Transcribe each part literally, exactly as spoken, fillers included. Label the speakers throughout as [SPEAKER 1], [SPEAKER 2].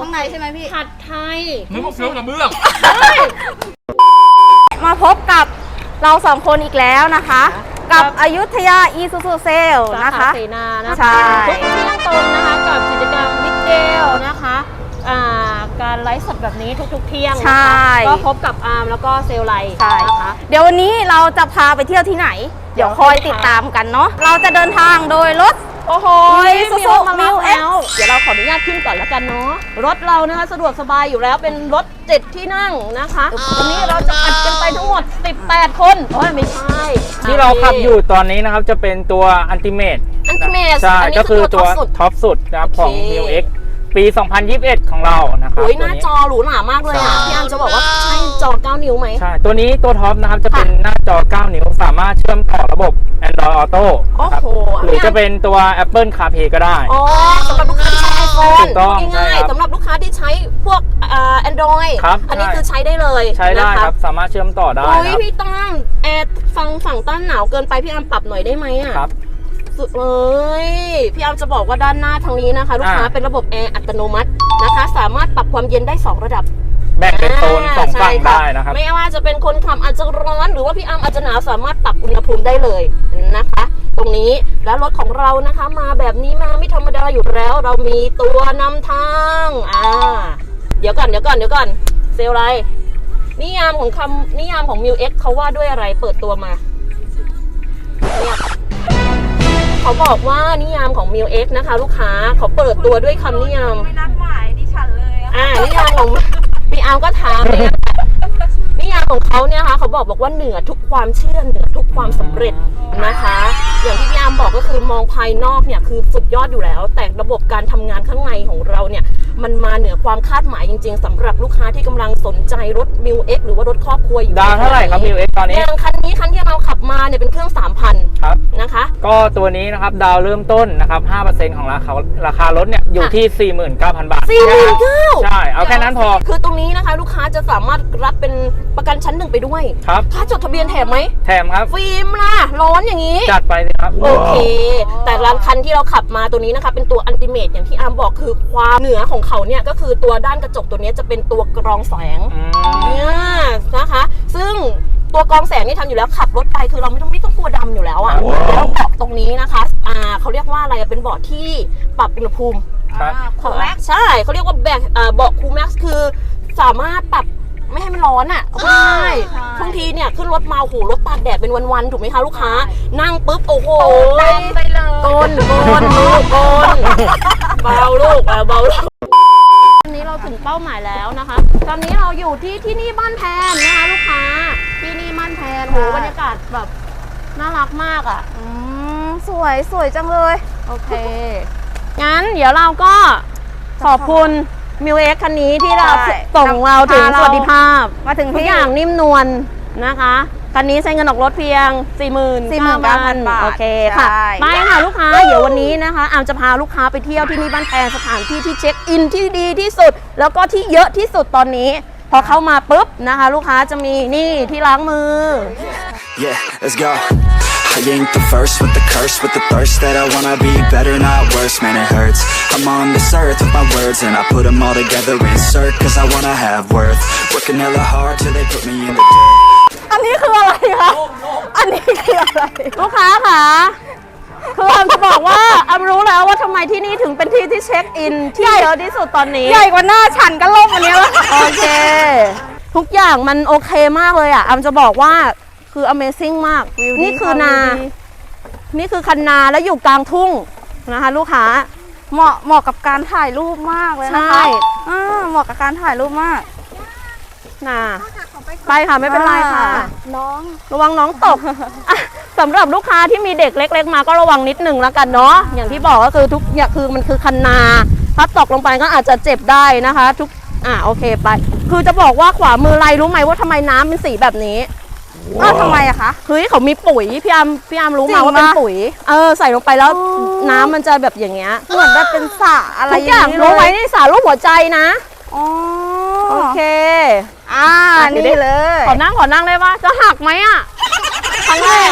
[SPEAKER 1] างในใช่ไหมพี่
[SPEAKER 2] ผัดไทย
[SPEAKER 3] นึกว่าเฟี้ยวกระเบื้อง
[SPEAKER 1] มาพบกับเราสองคนอีกแล้วนะคะกับอยุธยาอีซูซูเซลนะคะ
[SPEAKER 2] เสนานะคะ
[SPEAKER 1] ใช่
[SPEAKER 2] ทุกเที่ยงตรงนะคะกับกิจกรรมมิดเดลนะคะการไลฟ์สดแบบนี้ทุกๆเที่ยงนะคะก็พบกับอาร์มแล้วก็เซลไลนะคะ
[SPEAKER 1] เดี๋ยววันนี้เราจะพาไปเที่ยวที่ไหนเดี๋ยวคอยติดตามกันเนาะเราจะเดินทางโดยรถ
[SPEAKER 2] โอ้โหซูซูมิวเอ็กซ์เดี๋ยวเราขออนุญาตขึ้นก่อนแล้วกันเนาะรถเรานะคะสะดวกสบายอยู่แล้วเป็นรถเจ็ดที่นั่งนะคะวันนี้เราจะอัดกันไปทั้งหมดสิบแปดคนโอ้ยไม่ใช่
[SPEAKER 4] ที่เราขับอยู่ตอนนี้นะครับจะเป็นตัวอันติเมต
[SPEAKER 2] อันติเมต
[SPEAKER 4] ใช่ก็คือตัวท็อปสุดนะครับของ มิว เอ็กซ์ ปี สองพันยี่สิบเอ็ด ของเรานะครับ
[SPEAKER 2] โอ้ยหน้าจอหรูหรามากเลยอ่ะพี่อันจะบอกว่าใช่จอเก้านิ้วไหม
[SPEAKER 4] ใช่ตัวนี้ตัวท็อปนะครับจะเป็นหน้าจอเก้านิ้วสามารถเชื่อมต่อระบบ Android Auto นะครับหรือจะเป็นตัว Apple CarPlay ก็ได้
[SPEAKER 2] อ๋อสำหรับลูกค้าที่ใช้ iPhone
[SPEAKER 4] ถูกต้อง
[SPEAKER 2] ง่ายๆสำหรับลูกค้าที่ใช้พวก Android อันนี้คือใช้ได้เลย
[SPEAKER 4] ใช้ได้ครับสามารถเชื่อมต่อได้
[SPEAKER 2] โอ้ยพี่ตั้งแอร์ฟังฝั่งต้านหนาวเกินไปพี่อันปรับหน่อยได้ไหมอ่ะ
[SPEAKER 4] ครับ
[SPEAKER 2] สุดเลยพี่อัมจะบอกว่าด้านหน้าทางนี้นะคะลูกค้าเป็นระบบแอร์อัตโนมัตินะคะสามารถปรับความเย็นได้สองระดับ
[SPEAKER 4] แบ่งเป็นโซนสองฝั่งได้นะครับ
[SPEAKER 2] ไม่ว่าจะเป็นคนขับอาจจะร้อนหรือว่าพี่อัมอาจจะหนาวสามารถปรับอุณหภูมิได้เลยนะคะตรงนี้แล้วรถของเรานะคะมาแบบนี้มาไม่ธรรมดาอยู่แล้วเรามีตัวนำทางอ่าเดี๋ยวก่อนเดี๋ยวก่อนเดี๋ยวก่อนเซลไรนิยามของคำนิยามของ มิว เอ็กซ์ เขาว่าด้วยอะไรเปิดตัวมาเนี่ยเขาบอกว่านิยามของ มิว เอ็กซ์ นะคะลูกค้าเขาเปิดตัวด้วยคำนิยาม
[SPEAKER 1] ไม่นัดหมายดิฉันเลยอ่ะ
[SPEAKER 2] นิยามของพี่อาร์มก็ถามเลยนิยามของเขาเนี่ยค่ะเขาบอกบอกว่าเหนือทุกความเชื่อเหนือทุกความสำเร็จนะคะอย่างที่พี่อาร์มบอกก็คือมองภายนอกเนี่ยคือสุดยอดอยู่แล้วแต่ระบบการทำงานข้างในของเราเนี่ยมันมาเหนือความคาดหมายจริงๆสำหรับลูกค้าที่กำลังสนใจรถ มิว เอ็กซ์ หรือว่ารถครอบครัวอยู่
[SPEAKER 4] ดาวเท่าไหร่ครับ มิว เอ็กซ์ ตอนนี้
[SPEAKER 2] อย่างคันนี้คันที่เราขับมาเนี่ยเป็นเครื่อง สามพัน
[SPEAKER 4] ครับ
[SPEAKER 2] นะคะ
[SPEAKER 4] ก็ตัวนี้นะครับดาวเริ่มต้นนะครับ ห้าเปอร์เซ็นต์ ของราคาราคารถเนี่ยอยู่ที่ สี่หมื่นเก้าพัน บาท
[SPEAKER 2] สี่หมื่นเก้าพัน
[SPEAKER 4] ใช่เอาแค่นั้นพอ
[SPEAKER 2] คือตรงนี้นะคะลูกค้าจะสามารถรับเป็นประกันชั้นหนึ่งไปด้วย
[SPEAKER 4] ครับ
[SPEAKER 2] ค่าจดทะเบียนแถมไหม
[SPEAKER 4] แถมครับ
[SPEAKER 2] ฟิล์มล่ะร้อนอย่างนี้
[SPEAKER 4] จัดไปเลยครับ
[SPEAKER 2] โอเคแต่ร้านคันที่เราขับมาตัวนี้นะคะเป็นตัวอันติเมตอย่างที่อาร์มบอกคือความเหนือของเขาเนี่ยก็คือตัวด้านกระจกตัวนี้จะเป็นตัวกรองแสงเนี่ยนะคะซึ่งตัวกรองแสงนี่ทำอยู่แล้วขับรถไปคือเราไม่ต้องไม่ต้องกลัวดำอยู่แล้วอ่ะแล้วเบาะตรงนี้นะคะอ่าเขาเรียกว่าอะไรเป็นเบาะที่ปรับอุณหภูมิ
[SPEAKER 1] คูลแม็กซ์
[SPEAKER 2] ใช่เขาเรียกว่าแบกเบาะคูลแม็กซ์คือสามารถปรับไม่ให้มันร้อนอ่ะใช่บางทีเนี่ยขึ้นรถมาโอ้โหรถตากแดดเป็นวันๆถูกไหมคะลูกค้านั่งปุ๊บโอ้โห
[SPEAKER 1] ไปเลย
[SPEAKER 2] โกนโกนลูกโกนเบาลูกเบาลูกวันนี้เราถึงเป้าหมายแล้วนะคะตอนนี้เราอยู่ที่ที่นี่บ้านแพนนะคะลูกค้าที่นี่บ้านแพนโหบรรยากาศแบบน่ารักมากอ่ะ
[SPEAKER 1] อืมสวยสวยจังเลย
[SPEAKER 2] โอเคงั้นเดี๋ยวเราก็ขอบคุณ มิว เอ็กซ์ คันนี้ที่เราส่งเราถึงสวัสดิภาพ
[SPEAKER 1] มาถึง
[SPEAKER 2] ทุกอย่างนิ่มนวลนะคะคันนี้ใช้เงินออกรถเพียง สี่หมื่นเก้าพัน บาทโอเคค่ะไปค่ะลูกค้าเดี๋ยววันนี้นะคะอามจะพาลูกค้าไปเที่ยวที่นี่บ้านแพนสถานที่ที่เช็คอินที่ดีที่สุดแล้วก็ที่เยอะที่สุดตอนนี้พอเข้ามาปุ๊บนะคะลูกค้าจะมีนี่ที่ล้างมือ
[SPEAKER 5] Yeah, let's go. I ain't the first with the curse, with the thirst that I wanna be better, not worse, man it hurts. I'm on this earth with my words and I put them all together, insert, cause I wanna have worth. Working hella hard till they put me in the dirt.
[SPEAKER 1] อันนี้คืออะไรคะอันนี้คืออะไร
[SPEAKER 2] ลูกค้าค่ะคืออามจะบอกว่าอามรู้แล้วว่าทำไมที่นี่ถึงเป็นที่ที่เช็คอินที่เยอะที่สุดตอนนี้
[SPEAKER 1] ใหญ่กว่าหน้าฉันก็ล่มอันนี้แล้ว
[SPEAKER 2] โอเคทุกอย่างมันโอเคมากเลยอ่ะอามจะบอกว่าคือ Amazing มากนี่คือนานี่คือคันนาแล้วอยู่กลางทุ่งนะคะลูกค้า
[SPEAKER 1] เหมาะเหมาะกับการถ่ายรูปมากเลยนะคะอ่าเหมาะกับการถ่ายรูปมาก
[SPEAKER 2] น่ะไปค่ะไม่เป็นไรค่ะ
[SPEAKER 1] น้อง
[SPEAKER 2] ระวังน้องตกสำหรับลูกค้าที่มีเด็กเล็กๆมาก็ระวังนิดนึงแล้วกันเนาะอย่างที่บอกก็คือทุกอย่างคือมันคือคันนาถ้าตกลงไปก็อาจจะเจ็บได้นะคะทุกอ่ะโอเคไปคือจะบอกว่าขวามือไรรู้ไหมว่าทำไมน้ำเป็นสีแบบนี้
[SPEAKER 1] อ้าวทำไมอะคะ
[SPEAKER 2] เฮ้ยเขามีปุ๋ยพี่อามพี่อามรู้มาว่าเป็นปุ๋ยเออใส่ลงไปแล้วน้ำมันจะแบบอย่างเงี้ย
[SPEAKER 1] เหมือนแบบเป็นสระอะไร
[SPEAKER 2] อย่างนี้รู้ไหมนี่สระรูปหัวใจนะ
[SPEAKER 1] อ๋อ
[SPEAKER 2] โอเค
[SPEAKER 1] อ่านี่เลย
[SPEAKER 2] ขอนั่งขอนั่งเลยว่าจะหักไหมอ่ะ
[SPEAKER 1] ครั้งแรก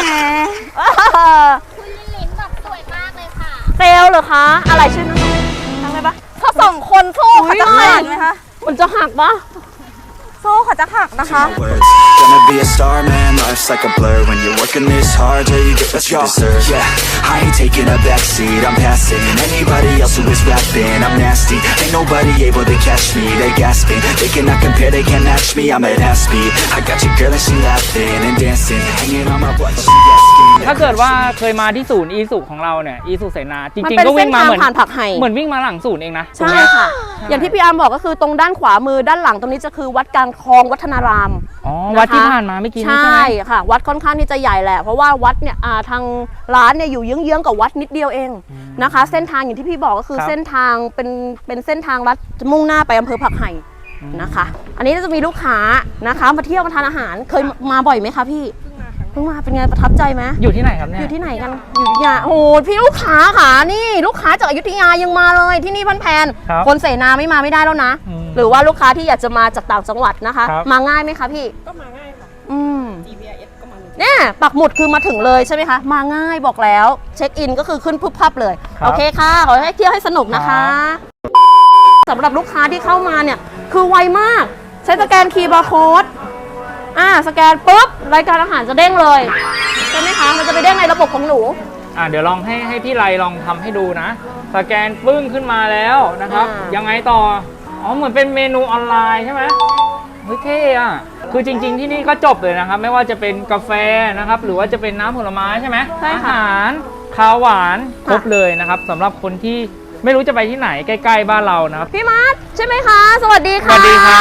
[SPEAKER 6] คุณลินลินแบบสวยมากเลยค่ะ
[SPEAKER 2] เซลเหรอคะอะไรชื่อนั่งนั่งเลยปะ
[SPEAKER 1] สสองคนโซ่เขาจะขาดไหมคะ
[SPEAKER 2] มันจะหักปะ
[SPEAKER 1] โซ่เขาจะหักนะคะ
[SPEAKER 5] words. Gonna be a star, man, life's like a blur. When you're working this hard, yeah, you get what you deserve. Yeah, I ain't taking a backseat, I'm passing anybody else who is rapping. I'm nasty, ain't nobody able to catch me. They gasping, they cannot compare, they can't match me. I'm at half speed, I got your girl and she laughing and dancing, hanging on my butt, she asking.
[SPEAKER 4] ถ้าเกิดว่าเคยมาที่ศูนย์อีสุของเราเนี่ยอีสุเสนาจ
[SPEAKER 2] มัน
[SPEAKER 4] ริง
[SPEAKER 2] เป็น
[SPEAKER 4] ๆก็
[SPEAKER 2] เส้
[SPEAKER 4] วิ่
[SPEAKER 2] น
[SPEAKER 4] งมา
[SPEAKER 2] ทาง
[SPEAKER 4] เหมือน
[SPEAKER 2] ผ่านผักไห่
[SPEAKER 4] เหมือนวิ่งมาหลังศูนย์เองนะ
[SPEAKER 2] ใช่ค่ะ อย่างที่พี่อาร์มบอกก็คือตรงด้านขวามือด้านหลังตรงนี้จะคือวัดกลางคลองวัฒนาราม
[SPEAKER 4] อ๋อ
[SPEAKER 2] นะคะ
[SPEAKER 4] วัดที่ผ่านมาเมื่อกี้นี้ใช่
[SPEAKER 2] ใช่
[SPEAKER 4] ไหม
[SPEAKER 2] ค่ะ วัดค่อนข้างที่จะใหญ่แหละเพราะว่าวัดเนี่ยอ่าทางร้านเนี่ยอยู่เยื้องๆกับวัดนิดเดียวเองนะคะ เส้นทางอย่างที่พี่บอกก็คือ
[SPEAKER 4] ครับ
[SPEAKER 2] เส้นทางเป็นเป็นเส้นทางลัดมุ่งหน้าไปอำเภอผักไห่นะคะ อันนี้จะมีลูกค้านะคะมาเที่ยวมาทานอาหารเคยมาบ่อยไหมคะพี่เพิ่งมาเป็นไงประทับใจไหม
[SPEAKER 4] อยู่ที่ไหนครับเนี่
[SPEAKER 2] อย ยู่ที่ไหนกันอยู่อยุธยาโอ้โหพี่ลูกค้าค่ะนี่ลูกค้าจากอยุธยายังมาเลยที่นี่พันแพน
[SPEAKER 4] ครับ
[SPEAKER 2] คนเสนาไม่มาไม่ได้แล้วนะ
[SPEAKER 4] อืม
[SPEAKER 2] หรือว่าลูกค้าที่อยากจะมาจากต่างจังหวัดนะคะ
[SPEAKER 4] ครับ
[SPEAKER 2] มาง่ายไหมคะพี่
[SPEAKER 3] ก็มาง่ายค่ะ
[SPEAKER 2] อืม
[SPEAKER 3] จี พี อาร์ เอส ก็มา
[SPEAKER 2] เนี่ยปักหมุดคือมาถึงเลยใช่ไหมคะ มาง่ายบอกแล้วเช็คอินก็คือขึ้นปุ๊บพับเลย
[SPEAKER 4] ครับ
[SPEAKER 2] โอเคค่ะ ขอให้เที่ยวให้สนุกนะคะสำหรับลูกค้าที่เข้ามาเนี่ย คือไวมาก ใช้สแกนคีย์บาร์โค้ดอ่าสแกนปุ๊บ รายการอาหารจะเด้งเลย ใช่ไหมคะ มันจะไปเด้งในระบบของหนู
[SPEAKER 4] อ่ะเดี๋ยวลองให้ให้พี่ไลลองทำให้ดูนะ สแกนปึ้งขึ้นมาแล้วนะครับ
[SPEAKER 2] อ่ายั
[SPEAKER 4] ยังไงต่อ อ๋อเหมือนเป็นเมนูออนไลน์ใช่ไหมเฮ้ยเท่อะคือจริง ๆที่นี่ก็จบเลยนะครับ ไม่ว่าจะเป็นกาแฟนะครับ หรือว่าจะเป็นน้ำผลไม้ใช่ไหม
[SPEAKER 2] ใช่
[SPEAKER 4] อา
[SPEAKER 2] ค่ะ
[SPEAKER 4] หารคาวหวานครบ
[SPEAKER 2] ค่ะ
[SPEAKER 4] เลยนะครับสำหรับคนที่ไม่รู้จะไปที่ไหนใกล้ๆบ้านเรานะครับ
[SPEAKER 2] พี่มาร์ทใช่ไหมคะ สวัสดี
[SPEAKER 4] ส
[SPEAKER 2] ค่ะ
[SPEAKER 4] วัสดีครับ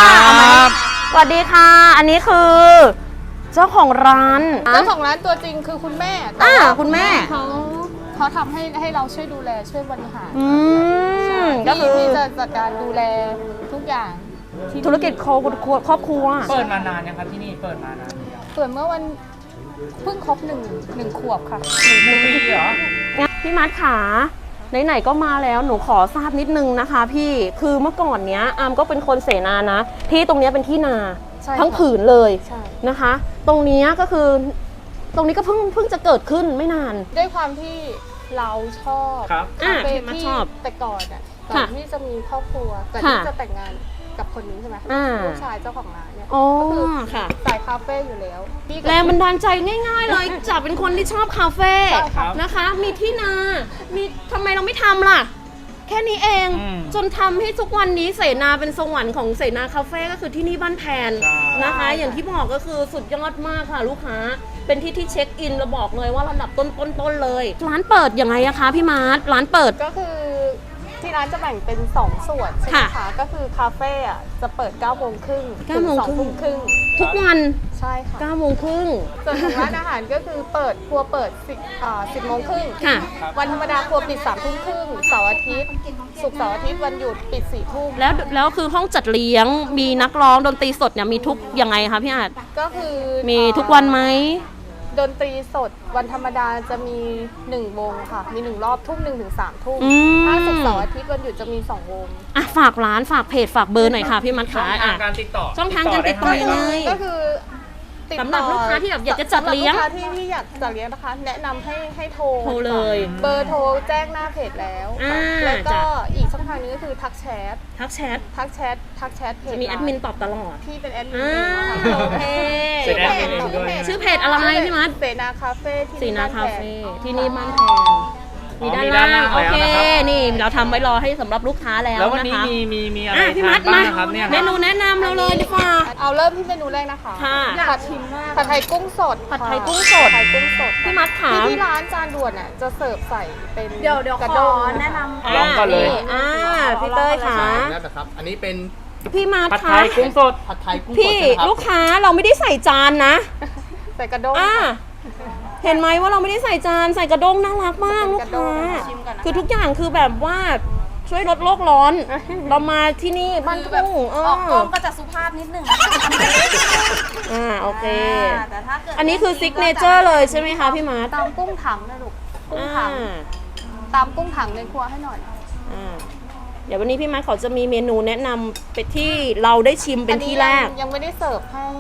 [SPEAKER 2] สวัสดีค่ะ อันนี้คือ เจ้าของร้าน
[SPEAKER 3] เจ้าของร้านตัวจริงคือคุณแม่แต่
[SPEAKER 2] อ่า
[SPEAKER 3] ว่า
[SPEAKER 2] คุณแม่
[SPEAKER 3] เขาเขาทำให้ให้เราช่วยดูแลช่วยบริหาร
[SPEAKER 2] อืมก็
[SPEAKER 3] ที่
[SPEAKER 2] คือ
[SPEAKER 3] ที่จะจัดการดูแลทุกอย่างที่
[SPEAKER 2] ธุรกิจครอบครัวครอบครัว
[SPEAKER 4] เปิดมานานยังครับที่นี่เปิดมานาน
[SPEAKER 3] เปิดเมื่อวันเพิ่งครบหนึ่งหนึ่งขวบค่ะ
[SPEAKER 4] หนึ่งปีเหรอ
[SPEAKER 2] งั้นพี่มัดขาไหนๆก็มาแล้วหนูขอทราบนิดนึงนะคะ พี่คือเมื่อก่อนเนี้ยอามก็เป็นคนเสนานะ ที่ตรงเนี้ยเป็นที่นา
[SPEAKER 3] ใช่
[SPEAKER 2] ทั้ง
[SPEAKER 3] ค่ะ
[SPEAKER 2] ผืนเลย
[SPEAKER 3] ใช่
[SPEAKER 2] นะคะ ตรงเนี้ยก็คือ ตรงนี้ก็เพิ่งเพิ่งจะเกิดขึ้นไม่นาน
[SPEAKER 3] ด้วยความที่เราชอบ
[SPEAKER 4] ครับ
[SPEAKER 2] อ่า
[SPEAKER 3] คาเฟ่
[SPEAKER 2] พี่มัด
[SPEAKER 3] ที่
[SPEAKER 2] ชอบ
[SPEAKER 3] แต่ก่อนอ่ะก่อ
[SPEAKER 2] ค่ะ
[SPEAKER 3] นที่จะมีครอบครัวก่อน
[SPEAKER 2] ค่ะ
[SPEAKER 3] ที่จะแต่งงานกับคนนี้ใช่ไหม
[SPEAKER 2] อ่า
[SPEAKER 3] ลูกชายเจ้าของร้านเนี่ย
[SPEAKER 2] อ๋อ
[SPEAKER 3] ก็คือ
[SPEAKER 2] ค่ะ
[SPEAKER 3] สายคาเฟ่อยู่แล้วพี่กับ
[SPEAKER 2] แรงบันดาลใจง่ายๆเลย จากเป็นคนที่ชอบคาเฟ่
[SPEAKER 3] ใช่ครับ
[SPEAKER 2] นะคะ มีที่นา มีทำไมเราไม่ทำล่ะ แค่นี้เอง
[SPEAKER 4] อืม
[SPEAKER 2] จนทำให้ทุกวันนี้เสนาเป็นสวรรค์ของเสนาคาเฟ่ก็คือที่นี่บ้านแพน
[SPEAKER 4] ใช่
[SPEAKER 2] นะคะ อย่างที่บอกก็คือสุดยอดมากค่ะลูกค้า เป็นที่ที่เช็คอินเราบอกเลยว่าระดับต้นๆๆเลย ร้านเปิดยังไงอะคะพี่มาร์ทร้านเปิด
[SPEAKER 3] ก็คือที่ร้านจะแบ่งเป็นสองส่วนใช่ไหม
[SPEAKER 2] ค่ะ
[SPEAKER 3] คะก็คือคาเฟ่อะจะเปิดเก้าโมงครึ่ง
[SPEAKER 2] เก้า
[SPEAKER 3] ถึง
[SPEAKER 2] โมง
[SPEAKER 3] สอง
[SPEAKER 2] ครึ่ง
[SPEAKER 3] ทุ่มครึ่ง
[SPEAKER 2] ทุกวัน
[SPEAKER 3] ใช่ค่ะ
[SPEAKER 2] เก้าโมงครึ่ง
[SPEAKER 3] ส่วนของร้านอาหารก็คือเปิดครัวเปิดสิบอ่าสิบโมงครึ่ง
[SPEAKER 2] ค่ะ
[SPEAKER 3] วันธรรมดาครัวปิดสามทุ่มครึ่งเสาร์อาทิตย์ศุกร์เสาร์อาทิตย์วันหยุดปิดสี่ทุ่ม
[SPEAKER 2] แล้วแล้วคือห้องจัดเลี้ยงมีนักร้องดนตรีสดเนี่ยมีทุกยังไงคะพี่อาจ
[SPEAKER 3] ก็คือ
[SPEAKER 2] มีทุกวันไหม
[SPEAKER 3] ดนตรีสดวันธรรมดาจะมีหนึ่งวงค่ะ มีหนึ่งรอบทุ่มหนึ่งถึงสามทุ่ม
[SPEAKER 2] อืม
[SPEAKER 3] ถ้าศุกร์เสาร์อาทิตย์วันหยุดจะมีสองวง
[SPEAKER 2] อ่ะฝากร้านฝากเพจฝากเบอร์หน่อยค่ะพี่มัด
[SPEAKER 4] ช่อ
[SPEAKER 2] ขาง
[SPEAKER 4] ทาง
[SPEAKER 2] อ่ะ
[SPEAKER 4] การติดต่อ
[SPEAKER 2] ช่องทางการติดต่อ
[SPEAKER 4] ได้
[SPEAKER 2] ยังไง
[SPEAKER 3] ก็คือติดต่อ
[SPEAKER 2] สำหรับลูกค้าที่แบบอยากจะจัดเลี้ยง
[SPEAKER 3] สำหรับลูกค้าที่ที่อยากจัดเลี้ยงนะคะ แนะนำให้ให้โทร
[SPEAKER 2] โทรเลย
[SPEAKER 3] เบอร์โทรแจ้งหน้าเพจแล้ว
[SPEAKER 2] อ่า
[SPEAKER 3] แล้วก็
[SPEAKER 2] จ้ะ
[SPEAKER 3] อีกช่องทางนึงก็คือทักแชท
[SPEAKER 2] ทักแชท
[SPEAKER 3] ทักแชททักแชทเพจ
[SPEAKER 2] จะมีแอดมินตอบตลอด
[SPEAKER 3] ที่เป็นแอดมิน
[SPEAKER 2] อ่า
[SPEAKER 3] เองค่ะ
[SPEAKER 2] โอเค
[SPEAKER 4] เป็นแอดมินเองด้วย
[SPEAKER 2] ชื่อเพจอะไรพี่มัด
[SPEAKER 3] เสนาคาเฟ่ที่
[SPEAKER 2] สีนาคาเฟ่ที่นี่บ้านแพงมี
[SPEAKER 4] อ๋อ
[SPEAKER 2] ด้าน
[SPEAKER 4] มีด้าน
[SPEAKER 2] ล่า
[SPEAKER 4] ล่าง ง
[SPEAKER 2] โอเค
[SPEAKER 4] แล้วนะครับ
[SPEAKER 2] นี่เราทำไว้รอให้สำหรับลูกค้าแล้ว
[SPEAKER 4] แล้ววัน
[SPEAKER 2] นะ
[SPEAKER 4] นี้
[SPEAKER 2] คะ
[SPEAKER 4] มีมีมีอะไร
[SPEAKER 2] อ่ะพี่
[SPEAKER 4] ทา
[SPEAKER 2] มั
[SPEAKER 4] น
[SPEAKER 2] ด
[SPEAKER 4] บ้าง
[SPEAKER 2] มา
[SPEAKER 4] นะครับเนี่ย
[SPEAKER 2] เมนูแนะนำเราเลยดีกว่า
[SPEAKER 3] เอาเริ่มที่เมนูแรกนะคะ
[SPEAKER 2] ค่ะ
[SPEAKER 3] ผัดผัดไทยกุ้งสด
[SPEAKER 2] ผัดไทย
[SPEAKER 3] ค่ะ
[SPEAKER 2] กุ้งสด
[SPEAKER 3] ผัดไทยกุ้งสด
[SPEAKER 2] พี่มัดขา
[SPEAKER 3] ที่ที่ร้านจานด่วนอ่ะจะเสิร์ฟใส่เป็น
[SPEAKER 1] เดี๋ยวเดี๋ยว
[SPEAKER 3] กระ
[SPEAKER 1] ข
[SPEAKER 3] ด้
[SPEAKER 1] อง แนะนำ
[SPEAKER 4] ลองก่อนเลย
[SPEAKER 2] อ่าพี่เต้ยค่ะ
[SPEAKER 6] นั่นนะครับ อันนี้เป็น
[SPEAKER 2] พี่มัด
[SPEAKER 4] ผัดไท
[SPEAKER 2] คะ
[SPEAKER 4] ยกุ้งสด
[SPEAKER 6] ผัดไทยกุ้งสด
[SPEAKER 2] พี่
[SPEAKER 6] ใช่ไหมครับ
[SPEAKER 2] ลูกค้าเราไม่ได้ใส่จานนะ
[SPEAKER 3] ใส่กระด้ง
[SPEAKER 2] อ่าเห็นไหมว่าเราไม่ได้ใส่จานใส่กระด้งน่ารักมากลูก
[SPEAKER 3] กระด้
[SPEAKER 2] ค้าง
[SPEAKER 3] ชิมก่อนนะคะ
[SPEAKER 2] คือทุกอย่างคือแบบว่าช่วยลดโลกร้อน เรามาที่นี่บ้านทุ่งเอ
[SPEAKER 1] ออกกล้อง
[SPEAKER 2] อ
[SPEAKER 1] ก็จะสุภาพนิดนึงนะคะ
[SPEAKER 2] อ่าโอเค
[SPEAKER 1] อ่าแต่ถ้าเกิด
[SPEAKER 2] อันนี้คือซิกเนเจอร์เลยใช่ไหมคะพี่มาร์ท
[SPEAKER 3] ตามกุ้งถังนะลูกกุ้ง
[SPEAKER 2] อ่า
[SPEAKER 3] ถังตามกุ้งถังในครัวให้หน่อย
[SPEAKER 2] อ่าเดี๋ยววันนี้พี่มาร์ทเขาจะมีเมนูแนะนำไปที่เราได้ชิมเป็นที่แรก
[SPEAKER 3] อัยังยังไม่ได้เสิร์ฟให้ใ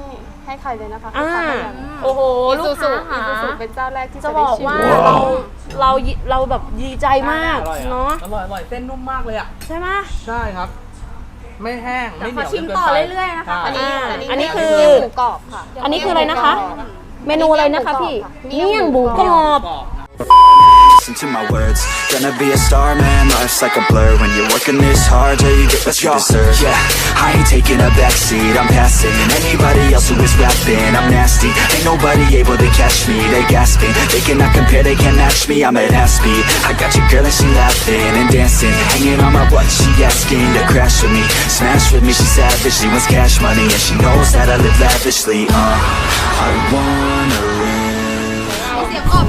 [SPEAKER 3] ให้ใครเลยนะคะ
[SPEAKER 2] อ่า
[SPEAKER 3] ลูกค้าไม่ยัง
[SPEAKER 2] โอ้โห
[SPEAKER 3] อี
[SPEAKER 2] ลู
[SPEAKER 3] ซู
[SPEAKER 2] ก
[SPEAKER 3] ซู
[SPEAKER 2] ค้า
[SPEAKER 3] อีซูซู
[SPEAKER 2] ค่ะ
[SPEAKER 3] เป็นเจ้าแรกที่
[SPEAKER 2] จะ
[SPEAKER 3] จะ
[SPEAKER 2] บ
[SPEAKER 3] ได้
[SPEAKER 2] อก
[SPEAKER 3] ชิม
[SPEAKER 2] ว่าเราเราเราแบบดีใจมาก
[SPEAKER 4] อร่อยอะ
[SPEAKER 2] เนาะ
[SPEAKER 6] อร่อยอร่อยเส้นนุ่มมากเลยอ่ะ
[SPEAKER 2] ใช่ไหม
[SPEAKER 6] ใช่ครับ ไม่แห้ง ไม่เหนียว
[SPEAKER 1] ขอชิม
[SPEAKER 6] จนกิน
[SPEAKER 1] ต่อ
[SPEAKER 6] ไป
[SPEAKER 1] เรื่อยๆนะคะ
[SPEAKER 6] ใช่
[SPEAKER 3] อันนี้
[SPEAKER 2] อ่า
[SPEAKER 3] อันนี้
[SPEAKER 2] อันนี้คือ
[SPEAKER 3] เมี่ยงหมูกรอบค่ะ
[SPEAKER 2] อันนี้คืออะไรนะคะ เมนูอะไรนะคะพี่
[SPEAKER 3] เมี่
[SPEAKER 2] เมี่ย
[SPEAKER 3] ย
[SPEAKER 2] ง
[SPEAKER 3] ง
[SPEAKER 2] ห
[SPEAKER 3] หมู
[SPEAKER 2] มูก
[SPEAKER 3] ก
[SPEAKER 2] ร
[SPEAKER 3] ร
[SPEAKER 2] อ
[SPEAKER 3] อบ
[SPEAKER 2] บ
[SPEAKER 5] Listen to my words. Gonna be a star, man. Life's like a blur. When you're working this hard, yeah, you get what you deserve. Yeah, I ain't taking a backseat. I'm passing anybody else who is rapping. I'm nasty. Ain't nobody able to catch me. They gasping. They cannot compare. They can't match me. I'm at half speed. I got your girl and she laughing and dancing, hanging on my butt. She asking to crash with me, smash with me. She savage. She wants cash money and she knows that I live lavishly. Uh, I wanna live.
[SPEAKER 1] เสียงออกไหม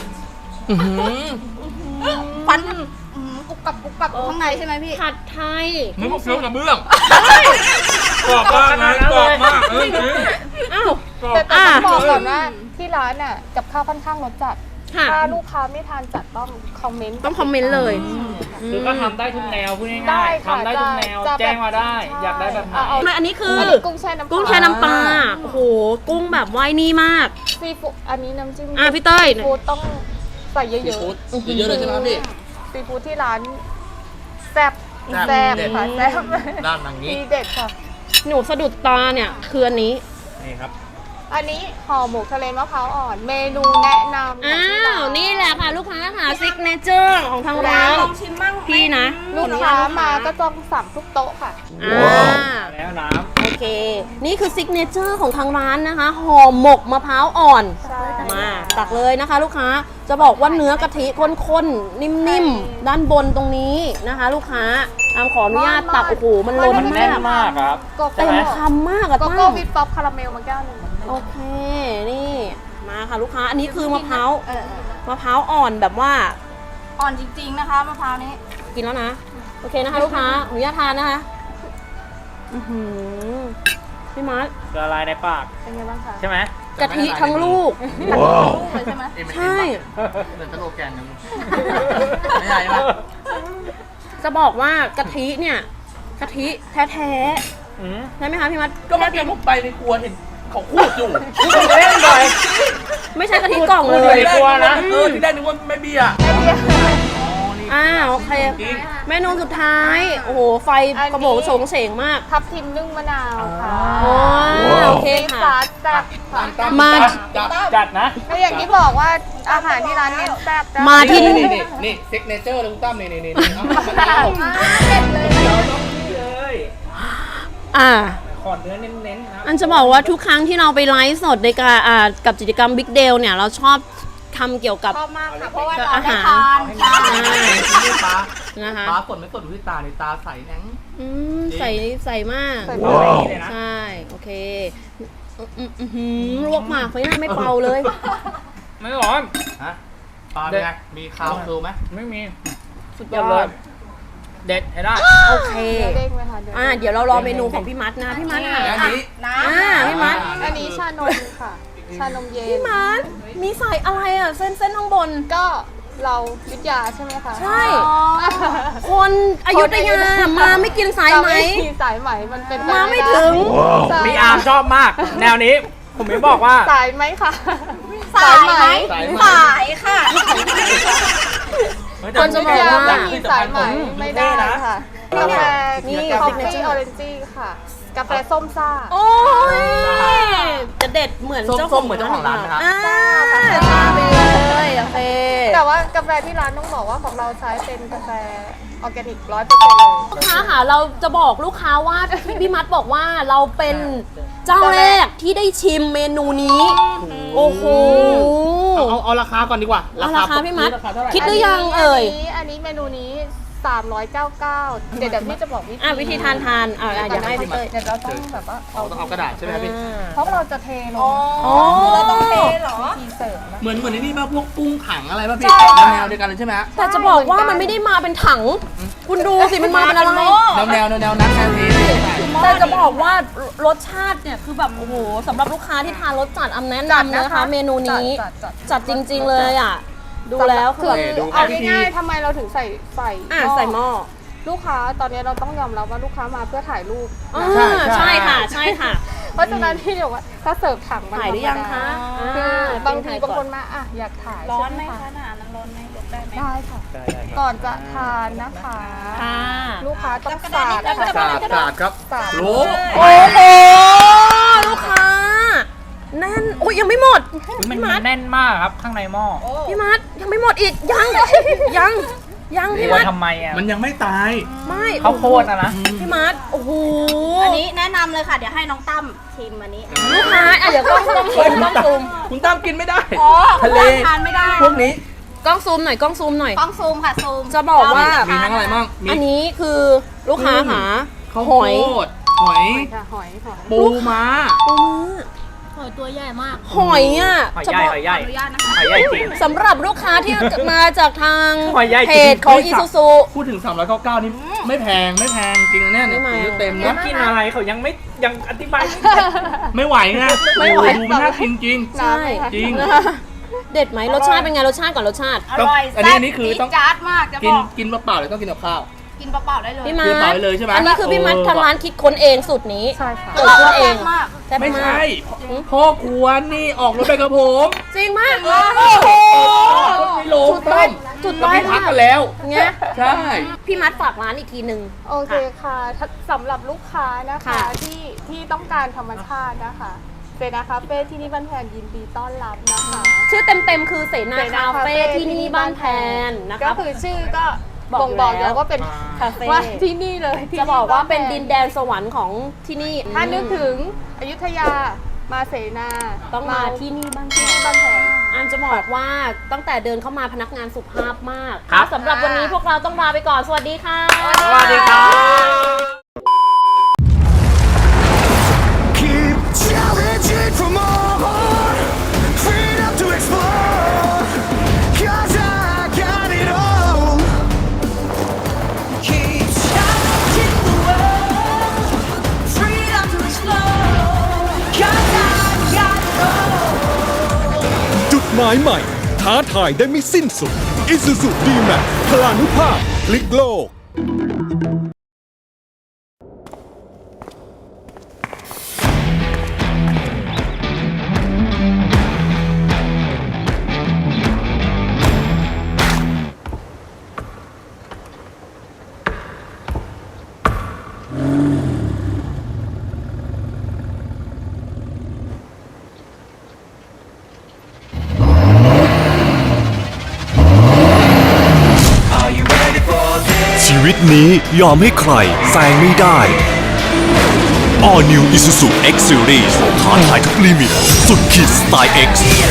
[SPEAKER 1] ฟันอืมกุบกับกุบกับอยู่ข้างในใช่ไหมพี่
[SPEAKER 2] ผัดไทย
[SPEAKER 6] มึงบอกเคี้ยวกับเบื้องกรอบมากนะกรอบมากเออจริง
[SPEAKER 2] อ้าว
[SPEAKER 6] กรอบ
[SPEAKER 3] แต่แต่ต้องบอกก่อน
[SPEAKER 6] อ่ะ
[SPEAKER 3] ว่าที่ร้านอ่ะกับข้าวค่อนข้างรสจัด
[SPEAKER 2] ค่ะ
[SPEAKER 3] ถ้าลูกค้าไม่ทานจัดต้องคอมเมนต์
[SPEAKER 2] ต้องคอมเมนต์เลย
[SPEAKER 4] คือก็ทำได้ทุกแนวพูด
[SPEAKER 3] ได้
[SPEAKER 4] ง่ายๆ
[SPEAKER 3] ค่ะ
[SPEAKER 4] ทำได้ทุกแนว
[SPEAKER 3] จะ
[SPEAKER 4] แจ้งมาได้
[SPEAKER 3] ใช่
[SPEAKER 4] อยากได้แบบไหน
[SPEAKER 3] เอาเอา
[SPEAKER 2] ไม่อันนี้คือ
[SPEAKER 3] อันนี้กุ้งแช่น้ำปลา
[SPEAKER 2] กุ้งแช่น้ำปลา โอ้โห กุ้งแบบไว้นี่มาก
[SPEAKER 3] ซีฟู้ดอันนี้น้ำจิ้ม
[SPEAKER 2] อ่ะพี่เต้ย
[SPEAKER 3] ซีฟู้ดต้องใส่เย
[SPEAKER 6] ซี
[SPEAKER 3] อะ
[SPEAKER 6] ฟู้ดเยอะๆเลยใช่ไหมครับพี่
[SPEAKER 3] ๆซีฟู้ดที่ร้านแซ่บ
[SPEAKER 6] แซ่บ
[SPEAKER 3] แซ่บค่ะแซ่บ
[SPEAKER 6] ด้านทางนี้
[SPEAKER 3] ทีเด็ดค่ะ
[SPEAKER 2] หนูสะดุดตาเนี่ยคืออันนี้
[SPEAKER 6] นี่ครับ
[SPEAKER 3] อันนี้ห่อหมกทะเลมะพร้าวอ่อน เมนูแนะนำข
[SPEAKER 2] อ้า
[SPEAKER 3] องที่ร้
[SPEAKER 2] ว นี่แหละค่ะ ลูกค้าค่ะซิกเนเจอร์ของทางร้าน
[SPEAKER 1] ลองชิมบ้างไหม
[SPEAKER 2] พี่นะ
[SPEAKER 3] ลูกค้ามาก็ต้องสั่งทุกโต๊ะค่ะ
[SPEAKER 2] อ่า
[SPEAKER 4] แล้วน้
[SPEAKER 2] โอเค นี่คือซิกเนเจอร์ของทางร้านนะคะห่อหมกมะพร้าวอ่อน
[SPEAKER 3] ใช่
[SPEAKER 2] มาตักเลยนะคะ ลูกค้าจะบอกว่าเนื้อกะทิข้นๆ นิ่มๆ ด้านบนตรงนี้นะคะ ลูกค้าอามขออนุญาตตักโอ้โหมันล้น
[SPEAKER 4] ำมันแน่น
[SPEAKER 2] มาก
[SPEAKER 4] มากครับ
[SPEAKER 3] โก
[SPEAKER 2] เต็
[SPEAKER 3] โก้
[SPEAKER 2] มคำมากอะ
[SPEAKER 3] โก
[SPEAKER 2] ตั้
[SPEAKER 3] โก้
[SPEAKER 2] ง
[SPEAKER 3] วิปป๊อปคาราเมลมาแก้วหนึ่ง
[SPEAKER 2] โอเค นี่ มาค่ะลูกค้า อันนี้คือมะพร้าว
[SPEAKER 1] เออเออ
[SPEAKER 2] มะพร้าวอ่อนแบบว่า
[SPEAKER 1] อ่อนจริงๆนะคะมะพร้าวนี้
[SPEAKER 2] กินแล้วนะ โอเคนะคะ ลูกค้าอนุญาตทานนะคะอื้อหือพี่มาร์ค
[SPEAKER 4] ละลายในปาก
[SPEAKER 3] เป็นไงบ้างคะ
[SPEAKER 4] ใช่ไหม
[SPEAKER 2] กะทิทั้งลูก
[SPEAKER 1] ลูกเลยใช่ไหม
[SPEAKER 2] ใช่
[SPEAKER 6] เหมือนสโลแกนนะไม่ใช่ไหม
[SPEAKER 2] จะบอกว่ากะทิเนี่ยกะทิแท้
[SPEAKER 4] อืม
[SPEAKER 2] ๆใช่ไหมคะพี่มัด
[SPEAKER 6] ก็เมื่อกี้ผมไปในครัวเห็นเขาขูดอยู่
[SPEAKER 4] เล่นหน่อย
[SPEAKER 2] ไม่ใช่กะทิกล่องเล
[SPEAKER 4] พูด
[SPEAKER 2] ย
[SPEAKER 4] ในครัวนะ
[SPEAKER 6] เออที่แรกนึกว่าไม่เบียร์
[SPEAKER 2] อ่าโอเค
[SPEAKER 6] จริง
[SPEAKER 2] เมนูสุดท้าย โอ้โห ไฟ
[SPEAKER 3] อันนี้
[SPEAKER 2] กระโบงโฉงเฉงมาก
[SPEAKER 3] ทับทิมนึ่งมะนาวค่ะ
[SPEAKER 2] อ๋อโอเค
[SPEAKER 3] ซี
[SPEAKER 2] ค่ะ
[SPEAKER 3] ซาสแซ่บค่ะ
[SPEAKER 2] มา
[SPEAKER 6] จับ
[SPEAKER 4] จัดนะ
[SPEAKER 3] ก็อย่างที่บอกว่าอาหารที่ร้านเน้นแซ่บนะ
[SPEAKER 2] มาที่
[SPEAKER 6] นี่นี่นี่นี่ซิกเนเจอร์เลยคุณตั้มนี่นี่นี่นี่เอามะนาว
[SPEAKER 3] เด็ดเลย
[SPEAKER 4] เราต้องนี่เลย
[SPEAKER 2] อ่า
[SPEAKER 4] ขอดเนื้อเน้นๆนะ
[SPEAKER 2] อันจะบอกว่าทุกครั้งที่เราไปไลฟ์สดในการอ่ากับกิจกรรม Big Deal เนี่ย เราชอบทำเกี่ยวกับ
[SPEAKER 1] ชอบมากค่ะ เพราะว่า
[SPEAKER 2] กับ
[SPEAKER 1] เรา
[SPEAKER 2] อา
[SPEAKER 1] ได้
[SPEAKER 2] หาร
[SPEAKER 1] ทานใช่
[SPEAKER 6] นี่ปลา
[SPEAKER 2] นะคะ
[SPEAKER 6] ปลาสดไม่สดดูที่ตาในตาใสแหนง
[SPEAKER 2] อืมใส่ใส่มาก
[SPEAKER 3] ใส่
[SPEAKER 4] ว้าวเลยนะ
[SPEAKER 2] ใช่ โอเคอืมอืมอืมหืมลวกหมากไฟหน้าไม่เป่าเลย
[SPEAKER 4] ไม่ร้อน
[SPEAKER 6] ฮะปลาเป็นไง มีคาวคือไหม
[SPEAKER 4] ไม่มี
[SPEAKER 2] สุดย
[SPEAKER 4] เยี่ยม
[SPEAKER 2] อ
[SPEAKER 4] เลย
[SPEAKER 2] ด
[SPEAKER 4] เด็ดให้ได้
[SPEAKER 2] โอเค
[SPEAKER 3] เนื้อเด้งไหมคะเนื้อ
[SPEAKER 2] อ่า
[SPEAKER 3] เด้ง
[SPEAKER 2] เดี๋ยวเรารอเมนูของพี่มัดนะ พี่มัดค่ะ
[SPEAKER 6] อันนี้
[SPEAKER 1] น้ำ
[SPEAKER 2] อ่าพี่มัด
[SPEAKER 3] อันนี้ชานมค่ะ ชานมเย็น
[SPEAKER 2] พี่มัดมีใส่อะไรอ่ะ เส้นเส้นข้างบน
[SPEAKER 3] ก็เรายุทธยาใช่ไหมคะ
[SPEAKER 2] ใช่ คนอยุธยามาไม่กินสายไหม
[SPEAKER 3] มีสายไหมมันเป็นป
[SPEAKER 2] มาไม่
[SPEAKER 3] ด้
[SPEAKER 2] ถึง
[SPEAKER 3] ใช่
[SPEAKER 4] มีอาร์มชอบมาก แนวนี้ ผมไม่บอกว่า
[SPEAKER 3] สายไหมค่ะ
[SPEAKER 1] สายไหม
[SPEAKER 6] สายไหม
[SPEAKER 1] สายค่ะ
[SPEAKER 2] คนจะบอกว่า
[SPEAKER 3] ไม่มีสายไหมไม่ได้ค่ะ กาแฟ
[SPEAKER 2] นี่
[SPEAKER 3] นี่คอฟฟี่ออเรนจี้ค่ะ กาแฟส้มซ่า
[SPEAKER 2] โอ้ย จะเด็ดเหมือนเจ้า
[SPEAKER 6] ส้มๆเหมือนเจ้าของร้านไหมครับ
[SPEAKER 2] อ่าชาไปเลยโอเค
[SPEAKER 3] แต่ว่ากาแฟที่ร้านต้องบอกว่าของเราใช้เป็นกาแฟออร์แกนิกร้อยเปอร์เซ็นต์เลย
[SPEAKER 2] ลูกค้าค่ะเราจะบอกลูกค้าว่าที่พี่มัดบอกว่าเราเป็นเจ้าแรกที่ได้ชิมเมนูนี้ โอ้โห
[SPEAKER 6] เอาเอาเอาราคาก่อนดีกว่า
[SPEAKER 2] เอาราคาพี่มัด
[SPEAKER 6] ราคาเท่าไหร่
[SPEAKER 2] คิดหรือยังเอ่ย
[SPEAKER 3] นนี้อันนี้เมนูนี้สามร้อยเก้าสิบเก้าเดี๋ยวเดี๋ยวพี่จะบอกวิธี
[SPEAKER 2] อ่ะวิธีทานทานอ่ะอ่ะอยากให้พี่เต้ย
[SPEAKER 3] เดี๋ยวเราต้องแบบว่า
[SPEAKER 6] เอาต้องเอากระดาษใช่ไหมครับพี่
[SPEAKER 3] เพราะเราจะเทลง
[SPEAKER 2] อ๋อ
[SPEAKER 1] เราต้องเทเหรอ
[SPEAKER 3] ทีเสริมนะ
[SPEAKER 6] เหมือนเหมือนในนี่ป่ะพวกกุ้งถังอะไรป่ะพี่
[SPEAKER 3] ใช่ค่ะ
[SPEAKER 6] แนวเดียวกันเลยใช่ไหมฮะ
[SPEAKER 2] แต่จะบอกว่ามันไม่ได้มาเป็นถัง คุณดูสิมันมาเป็นอะไร
[SPEAKER 6] แนวแนวแนวแนวนั้นแนวนี้
[SPEAKER 2] แต่จะบอกว่ารสชาติเนี่ยคือแบบโอ้โหสำหรับลูกค้าที่ทานรสจัดอำแนะนำนะคะ เมนูนี้
[SPEAKER 3] จัดจัด
[SPEAKER 2] จัดจริง ๆเลยอ่ะ ดูแล้วคือแบบ
[SPEAKER 3] คือเอาง่ายๆทำไมเราถึงใส่ใส่
[SPEAKER 2] อ่ะใส่หม้อ
[SPEAKER 3] ลูกค้าตอนนี้เราต้องยอมรับว่าลูกค้ามาเพื่อถ่ายรูป
[SPEAKER 2] อ่าใช่ค่ะใช่ค่ะ
[SPEAKER 3] เพราะราะฉะนั้นพี่บอกว่าถ้าเสิร์ฟถังมัน
[SPEAKER 2] ถ่ายหรือยังคะ
[SPEAKER 3] คือบางที
[SPEAKER 2] ถ่ย
[SPEAKER 3] บาง
[SPEAKER 2] ก่อ
[SPEAKER 3] คนมาอ่ะอยากถ่าย
[SPEAKER 1] ร้อนไหม
[SPEAKER 3] ใช่
[SPEAKER 1] คะหนานั้นร้อนไหมยกได้ไหม
[SPEAKER 3] ได้ค่ะ ก่อนจะทานนะคะ
[SPEAKER 2] ค่ะ
[SPEAKER 3] ลูกค้าต้องสาด
[SPEAKER 1] จับกระดาษ
[SPEAKER 6] สาดสาดครับ
[SPEAKER 3] สาด
[SPEAKER 6] รู้
[SPEAKER 2] โอ้โหลูกค้าแน่นโอ้ยยังไม่หมด
[SPEAKER 4] มัน
[SPEAKER 2] พี่มัด
[SPEAKER 4] แน่นมากครับข้างในหม้อ
[SPEAKER 2] พี่มัดยังไม่หมดอีกยังยังยังพี่
[SPEAKER 4] ว่า
[SPEAKER 2] มัด
[SPEAKER 4] ทำไมอ่ะ
[SPEAKER 6] มันยังไม่ตาย
[SPEAKER 2] ไม่
[SPEAKER 4] ข้าวโพดอะนะ
[SPEAKER 2] พี่มัดโอ้โห
[SPEAKER 1] อันนี้แนะนำเลยค่ะ เดี๋ยวให้น้องตั้มชิมอันนี้
[SPEAKER 2] ลูกค้าอ่ะเดี๋ยวกล้องต้องซูมกล้องซูม
[SPEAKER 6] คุณตั้มกินไม่ได้
[SPEAKER 1] อ๋อ
[SPEAKER 6] ทะเล
[SPEAKER 1] ทานไม่ได้
[SPEAKER 6] พวกนี้
[SPEAKER 2] กล้องซูมหน่อยกล้องซูมหน่อย
[SPEAKER 1] กล้องซูมค่ะซูม
[SPEAKER 2] จะบอกว่า
[SPEAKER 6] มีทั้งอะไรบ้างมี
[SPEAKER 2] อันนี้คือลูกค้าหา
[SPEAKER 6] ข้าว
[SPEAKER 2] ห
[SPEAKER 6] โพ
[SPEAKER 2] อย
[SPEAKER 6] ดหอย
[SPEAKER 3] ค่ะหอยหอย
[SPEAKER 6] ปูม้า
[SPEAKER 2] ปูมือ
[SPEAKER 1] หอยตัวใหญ่มาก
[SPEAKER 2] หอยอ่ะ
[SPEAKER 4] หอย
[SPEAKER 2] เฉ
[SPEAKER 4] ใหญ่
[SPEAKER 2] พาะ
[SPEAKER 4] หอยใหญ่
[SPEAKER 1] ขออนุญาตนะคะ
[SPEAKER 4] หอยใหญ่จริง
[SPEAKER 2] สำหรับลูกค้าที่มาจากทาง
[SPEAKER 4] หอยใหญ่จริง
[SPEAKER 2] เพจของอีซูซู
[SPEAKER 6] พูดถึงสามร้อยเก้าสิบเก้านี่ไม่แพงไม่แพงจริงนะเนี่ย
[SPEAKER 2] ไม่แพง
[SPEAKER 6] ซื้อเต็ม
[SPEAKER 4] แล้
[SPEAKER 6] นะ
[SPEAKER 4] วกินอะไรเขายังไม่ยังอธิบายไม่ได้
[SPEAKER 6] ไม่ไหวไง
[SPEAKER 2] ไม่ไหว
[SPEAKER 6] ดูมันน่ากินจริง
[SPEAKER 2] ใช่
[SPEAKER 6] จริง
[SPEAKER 2] เด็ดไหมรสชาติเป็นไงรสชาติก่อนรสชาติ
[SPEAKER 1] อร่อย
[SPEAKER 6] อันนี้
[SPEAKER 1] แซ่บ
[SPEAKER 6] อันนี้คือต้อง
[SPEAKER 1] จี๊ดจ๊าดมากจะ
[SPEAKER 6] กิ
[SPEAKER 1] บ
[SPEAKER 6] น
[SPEAKER 1] อก
[SPEAKER 6] กินเปล่าๆหรือต้องกินกับข้าว
[SPEAKER 1] กินเปล่าๆได้เลย
[SPEAKER 2] พี่มั
[SPEAKER 6] คือ
[SPEAKER 2] ด
[SPEAKER 6] เปล่าไปเลยใช่ไหม
[SPEAKER 2] อันนี้คือพี่มัด
[SPEAKER 6] เออ
[SPEAKER 2] ทางร้านคิดค้นเองสูตรนี้
[SPEAKER 3] ใช่ค่ะ
[SPEAKER 2] เกิดขึ้นเอง
[SPEAKER 1] แซ่บมาก
[SPEAKER 2] แซ่บ
[SPEAKER 6] ไม่
[SPEAKER 2] มา
[SPEAKER 6] ใช่
[SPEAKER 2] ก
[SPEAKER 6] พ่อครัวนี่ออกรถไปกับผม
[SPEAKER 2] จริงมาก
[SPEAKER 6] โอ้โหไม่ลงต้ม
[SPEAKER 2] จุด
[SPEAKER 6] เรา
[SPEAKER 2] ต้อย
[SPEAKER 6] ไม่พัก
[SPEAKER 2] มาก
[SPEAKER 6] กันแล้ว
[SPEAKER 2] เงี้ย
[SPEAKER 6] ใช่
[SPEAKER 2] พี่มัดฝากร้านอีกทีหนึ่ง
[SPEAKER 3] โอเคค่ะถ้าสำหรับลูกค้านะคะ
[SPEAKER 2] ค่ะ
[SPEAKER 3] ที่ที่ต้องการธรรมชาตินะคะเซนาคาเฟ่ที่นี่บ้านแพนยินดีต้อนรับนะคะ
[SPEAKER 2] ชื่อเต็มๆคือเสนาคาเฟ่ที่นี่บ้านแพนนะ
[SPEAKER 3] ก็
[SPEAKER 2] คะ
[SPEAKER 3] คือชื่อก็
[SPEAKER 2] บอก
[SPEAKER 3] บ่งบอก
[SPEAKER 2] อยู่แล้ว
[SPEAKER 3] แล้วว่าเป็น
[SPEAKER 2] คาเฟ่
[SPEAKER 3] ว่าที่นี่เลยที่
[SPEAKER 2] จะบอกว่าเป็น
[SPEAKER 3] บ้แพ
[SPEAKER 2] ดินแดนสวรรค์ของที่นี่
[SPEAKER 3] ถ้านึกถึงอยุธยามาเสนา
[SPEAKER 2] ต้องมาที่นี่บ้านแพ
[SPEAKER 3] ที่
[SPEAKER 2] น
[SPEAKER 3] นี่บ้านแพน
[SPEAKER 2] อามจะบอกว่าตั้งแต่เดินเข้ามาพนักงานสุภาพมาก
[SPEAKER 4] ครับ
[SPEAKER 2] สำหรับวันนี้พวกเราต้องลาไปก่อน สวัสดีค่ะ
[SPEAKER 4] สวัสดีครับ
[SPEAKER 5] Keep challenging for more, freedom to explore, 'cause I got it all. Keep challenging the world, freedom to explore, 'cause I got it all.
[SPEAKER 7] จุดหมายใหม่ ท้าทายได้ไม่สิ้นสุด Isuzu D-Max พลานุภาพพลิกโลก ชีวิตนี้ยอมให้ใครแซงไม่ได้ All New Isuzu X Series ท้าทายทุกลิมิต สุดขีดสไตล์ X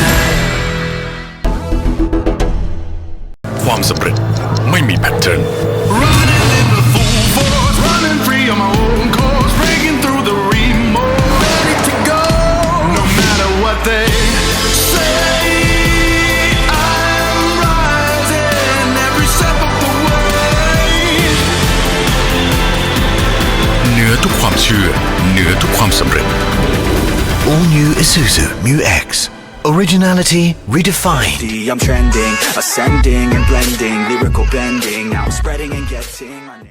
[SPEAKER 7] ความสำเร็จไม่มีแพทเทิร์น
[SPEAKER 5] Running in the full force, running free on my own course, breaking through the remote, ready to go. No matter what they say, I'm rising every step of the way. เหนือทุกความเชื่อ เหนือทุกความสำเร็จ
[SPEAKER 8] All new Isuzu Mu X. Originality redefined.
[SPEAKER 5] I'm trending, ascending and blending, lyrical bending. Now I'm spreading and getting my name.